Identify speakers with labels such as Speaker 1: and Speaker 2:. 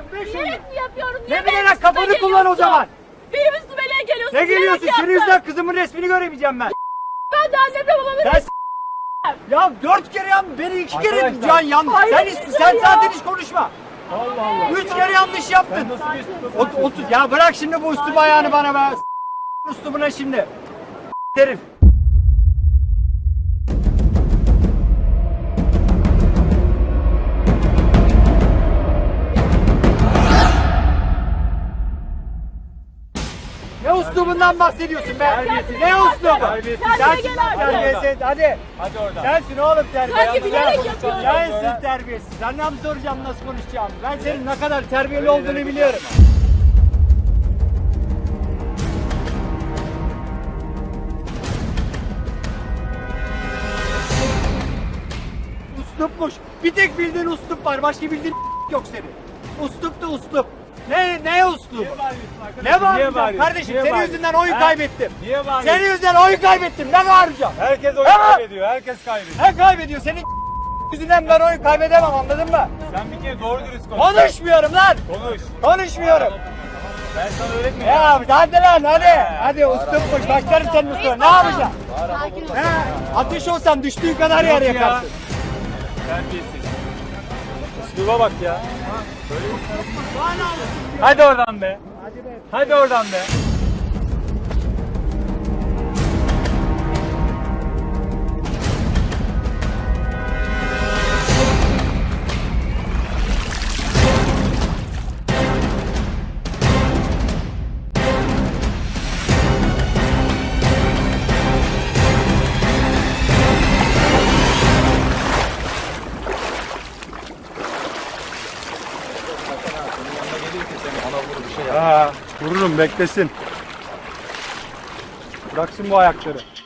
Speaker 1: Bilerek mi yapıyorum?
Speaker 2: Ne bilerek, kafanı kullan o zaman.
Speaker 1: Benim üstüme ne geliyorsun?
Speaker 2: Ne geliyorsun? Senin yüzünden kızımın resmini göremeyeceğim ben.
Speaker 1: Ben de annemle babamın resmini...
Speaker 2: Ya 4 kere yanlış, beni 2 kere
Speaker 3: Arkadaşlar.
Speaker 2: yanlış. Sen zaten hiç konuşma. Allah Allah. 3 kere yanlış yaptın. Otur. Ya bırak şimdi bu üstü ayağını bana be. Üstübüne şimdi. Herif. Ne uslubundan bahsediyorsun be? Ne uslubu? Sensin terbiyesiz. Hadi.
Speaker 3: Hadi oradan.
Speaker 2: Sensin oğlum terbiyesiz.
Speaker 1: Sanki bilerek yapıyorum.
Speaker 2: Sensin terbiyesiz. Senden mi soracağım nasıl konuşacağımı? Ben senin ne kadar terbiyeli olduğunu biliyorum. Uslupmuş. Bir tek bildiğin uslup var. Başka bildiğin yok senin. Uslup da uslup. Ne uslup? Ne bağıracağım? Kardeşim senin yüzünden oyun kaybettim.
Speaker 3: Niye bağırıyorsun?
Speaker 2: Senin yüzünden oyun kaybettim. Ne bağıracağım?
Speaker 3: Herkes oyun kaybediyor. Herkes kaybediyor.
Speaker 2: Ne kaybediyor? Senin yüzünden ben oyun kaybedemem, anladın mı?
Speaker 3: Sen bir kere doğru dürüst konuş.
Speaker 2: Konuşmuyorum lan.
Speaker 3: Konuş.
Speaker 2: Konuşmuyorum.
Speaker 3: Ben sana öğretmeyeceğim.
Speaker 2: Ya hadi lan hadi. Hadi uslupmuş. Başlarım senin üstüne. Ne yapacaksın? He? Ateş olsan düştüğün kadar yer
Speaker 3: Yok ya.
Speaker 2: yakarsın.
Speaker 3: Terbiyesiz. Üsluba bak ya. Hadi oradan be. Hadi oradan be.
Speaker 2: Ha, vururum beklesin. Bıraksın bu ayakları.